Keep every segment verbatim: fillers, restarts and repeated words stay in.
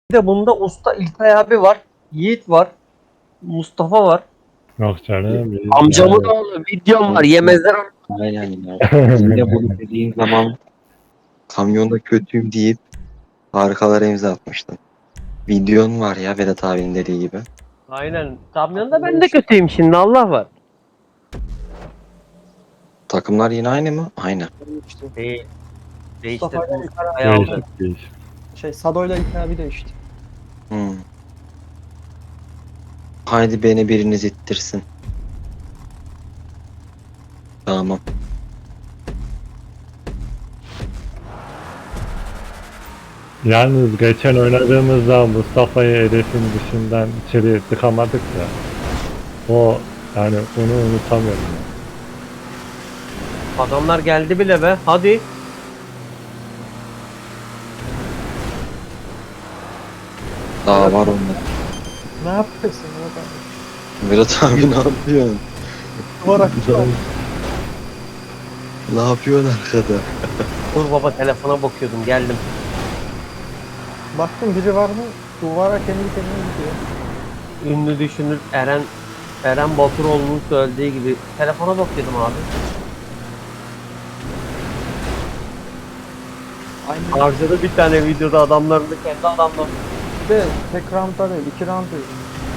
Bir de bunda usta İlkay abi var. Yiğit var. Mustafa var. Yok canım. biz Amcamın yani- oğlu videom var. Yemezler. Aynen ya. Yine bunu dediğin zaman kamyonda kötüyüm deyip harikalara imza atmıştın. Videon var ya Vedat abinin dediği gibi. Aynen. Kamyonda ben de kötüyüm şimdi. Allah var. Takımlar yine aynı mı? Aynı. İşte Değil. Değişti. Mustafa ile İlkay abi- Ayağımda. Değişik değişik. şey Sado'yla İlkay abi değişti. Hmm. Haydi beni biriniz ittirsin. Tamam. Yalnız geçen oynadığımızda Mustafa'yı hedefin dışından içeri tıkamadık ya. O yani onu unutamıyorum. ya. Adamlar geldi bile be. Hadi. Daha var onda. Ne yapıyorsun ya? Vedat abi ne yapıyorsun? Duvara kıçı Ne yapıyorsun arkada? Dur baba telefona bakıyordum. Geldim. Baktım biri var mı? Duvara kendi kendine gidiyor. Ünlü düşünür Eren Eren Baturoğlu'nun söylediği gibi telefona bakıyordum abi. Aynı. Harcadı bir tane videoda adamlarını kendi adamları. Bir de tek roundda değil, iki round değil.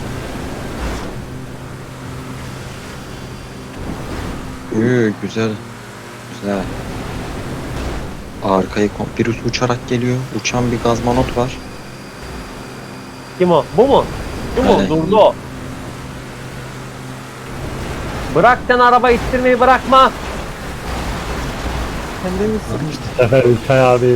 Üü, güzel. Güzel. Arkayı kom- virüs uçarak geliyor. Uçan bir gazmanot var. Kim o? Bu mu? Kim o? Evet. Durdu o. Bırak sen araba ittirmeyi bırakma. Kendimiz sıkıştık. Bu sefer İlkay abi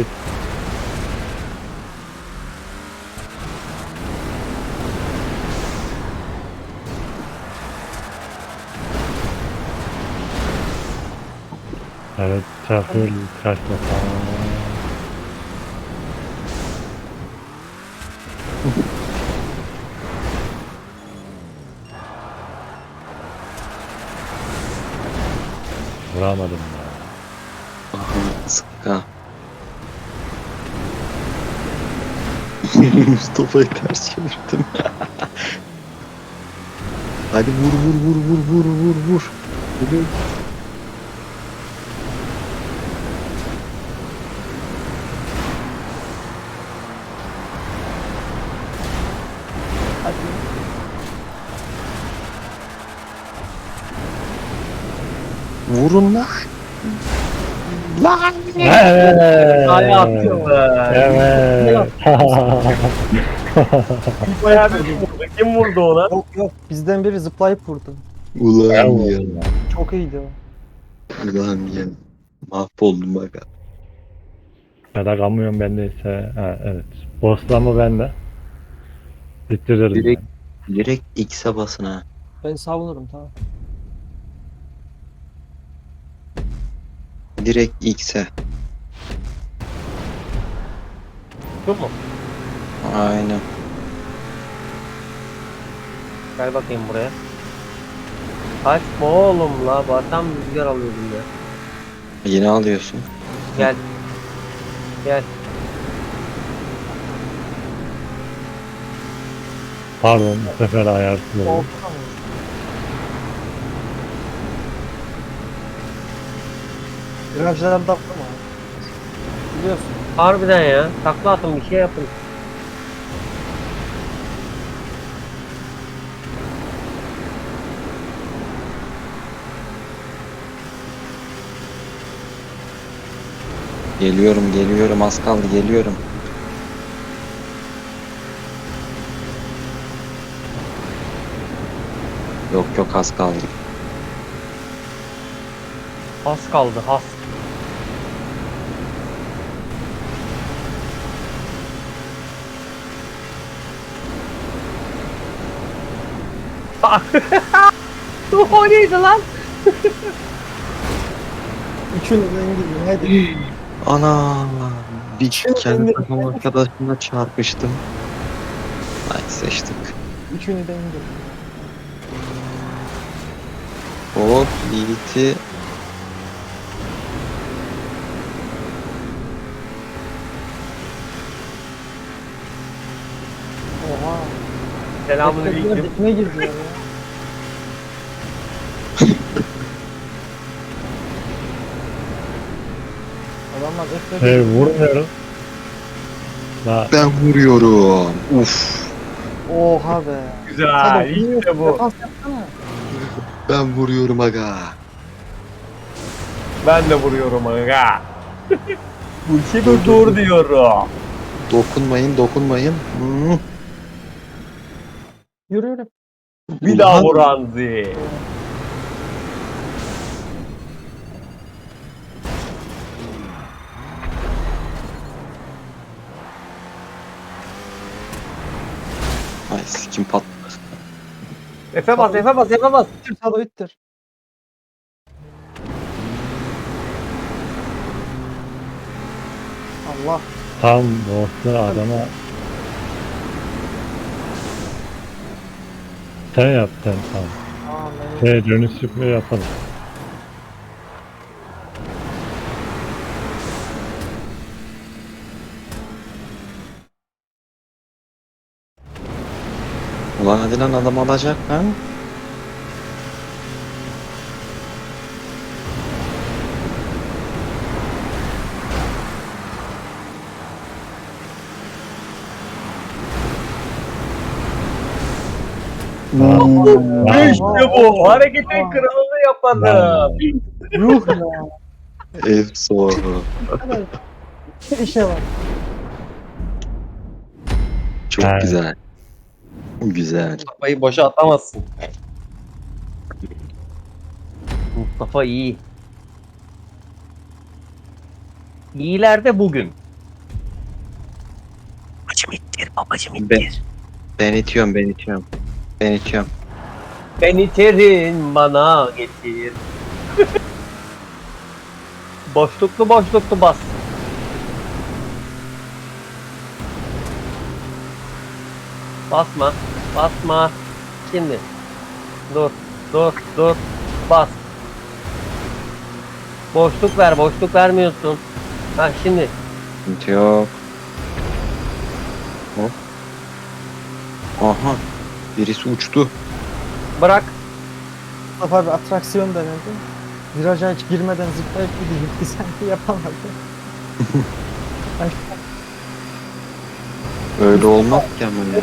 evet çakıl kaçma falan. Vuramadım ya. Aha, sıkka. Mustafa'yı ters çevirdim. Hadi vur vur vur vur vur vur vur. Hadi. Hadi. Vurun lan. Lan. Evet. Ay atıyor be. Evet. Bayağı bir kim vurdu? Kim vurdu ona? Yok yok, bizden biri zıplayıp vurdu. Ulan ya. Çok iyiydi o. Ulan ya. Mahvoldum bak. Ya da kamyon bendeyse ha, evet. Boss'lama bende. Bitiririm. Direkt, ben. direkt X'e basın ha. Ben savunurum, tamam. Direkt X'e. Şu mu? Aynen. Gel bakayım buraya. Kaçma oğlum la. Batam rüzgar alıyordum ya. Yine alıyorsun. Gel. Gel. Pardon bu sefer ayarsız oldu. Oldu mu? Virajlarda atlama. Biliyorsun. Harbiden ya. Takla atın bir şey yapın. Geliyorum geliyorum az kaldı geliyorum. Yok yok az kaldı. Has kaldı has. O neydi lan? Üçünü de indirdim, hadi. Ana bir Şimdi kendi ben de- takım arkadaşımla çarpıştım. Ay seçtik. Üçünü de indirdim. Hop Yiğit'i Selamünaleyküm. Dikme girdiler ya. Adamlar F Hey vurmuyorum. La Ben vuruyorum. Uf. Oha be. Güzel. İşte bu. Defans yapsana. Ben vuruyorum aga. Ben de vuruyorum aga. Bu işi dur dur diyorum. Dokunmayın dokunmayın. Hmm. Yürü yürü. Bir daha vur Anzi. Ay sikim patladı. Efe bas, Efe bas, Efe bas. İttir sağda ittir. Allah. tam boss'ta adama sen yap sen tamam. Amin. Şey dönüş çıkma yapalım. Ulan hadi lan adam alacak ha. Aa, İşte bu. Hareketin kralını yapadım. Yuh ya. Efso. Bir işe var. Çok Evet. güzel. Güzel. Mustafa'yı boşa atamazsın. Mustafa iyi. İyiler de bugün. Babacım ittir, babacım Ben, ittir. ben itiyorum ben itiyorum. Ben itiyorum. Ben iterin bana getir. Boşluklu boşluklu bas. Basma. Basma. Şimdi. Dur. Dur. Dur. Bas. Boşluk ver. Boşluk vermiyorsun. Ha şimdi. Sıkıntı yok. Hop. Aha. Birisi uçtu. Bırak. Mustafa bir atraksiyon denedi. Viraja hiç girmeden zıplayıp gitti. Gitti sanki yapamadı. Ay, Öyle olmaz ki ama ya.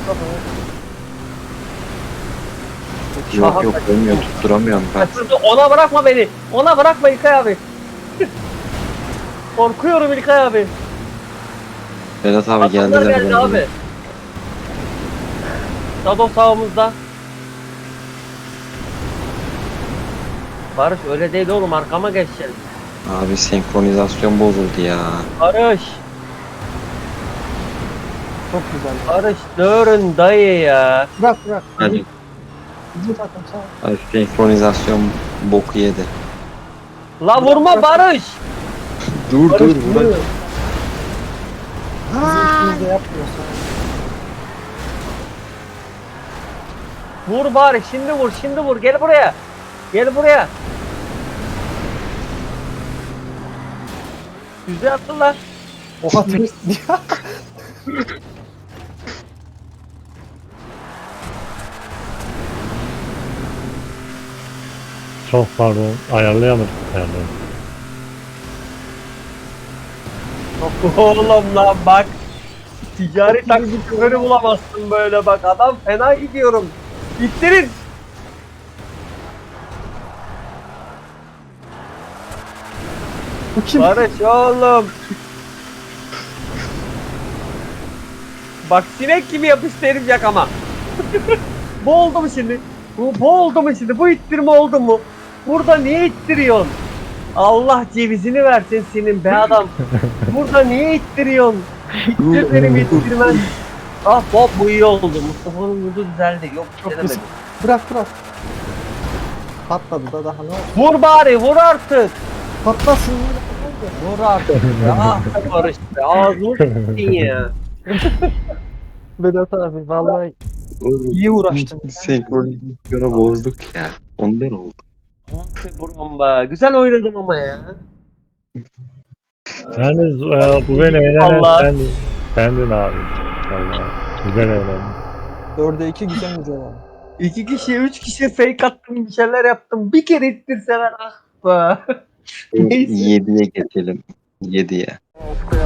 Yok yok olmuyor tutturamıyorum ben. Kaçırdı. Ona bırakma beni. Ona bırakma İlkay abi. Korkuyorum İlkay abi. Vedat abi Adamlar geldiler. geldi bana. abi. Shadow sağımızda. Barış öyle değil oğlum, arkama geçeceksin. Abi senkronizasyon bozuldu ya. Barış. çok güzel. Barış dörün dayı ya. Bırak bırak. Hadi. Bizim takım sağ ol. Abi senkronizasyon boku yedi. La vurma Barış. Dur dur Barış dur. vuruyor. Bizim işimizi de yapmıyor sağ ol. Vur bari, şimdi vur, şimdi vur. Gel buraya. Gel buraya. Güzel attılar. Oha turist ya. çok pardon ayarlayamadık ayarlayamadık. Oğlum lan bak. Ticari taksi şoförü bulamazsın böyle bak. Adam fena gidiyorum. İttirin. Bu kim? Barış oğlum. Bak sinek gibi yapıştı herif yakama. Bu oldu mu şimdi? Bu, bu oldu mu şimdi? Bu ittirme oldu mu? Burada niye ittiriyorsun? Allah cevizini versin senin be adam. Burada niye ittiriyorsun? İttir benim ittirmen. Ah Bob bu iyi oldu. Mustafa'nın vurdu düzeldi. Yok Çok denemedim. güzel. Bırak bırak. Patladı da daha ne oldu? Vur bari vur artık. Patlasın. Vur artık. Ah be Barış be. Ağzını s**tin ya. Vedat abi vallahi iyi uğraştın. Senkronizasyonu bozduk ya. Ondan oldu. Ah be buram be. Güzel oynadım ama ya. Yani e, bu beni eğlenen Allah. sendin. Sendin abi. Vallahi güzel eğlendin. Dörde iki güzel bir cevap. İki kişi, üç kişi fake attım, bir şeyler yaptım. Bir kere ittirseler ah be. Neyse. yediye geçelim. yediye.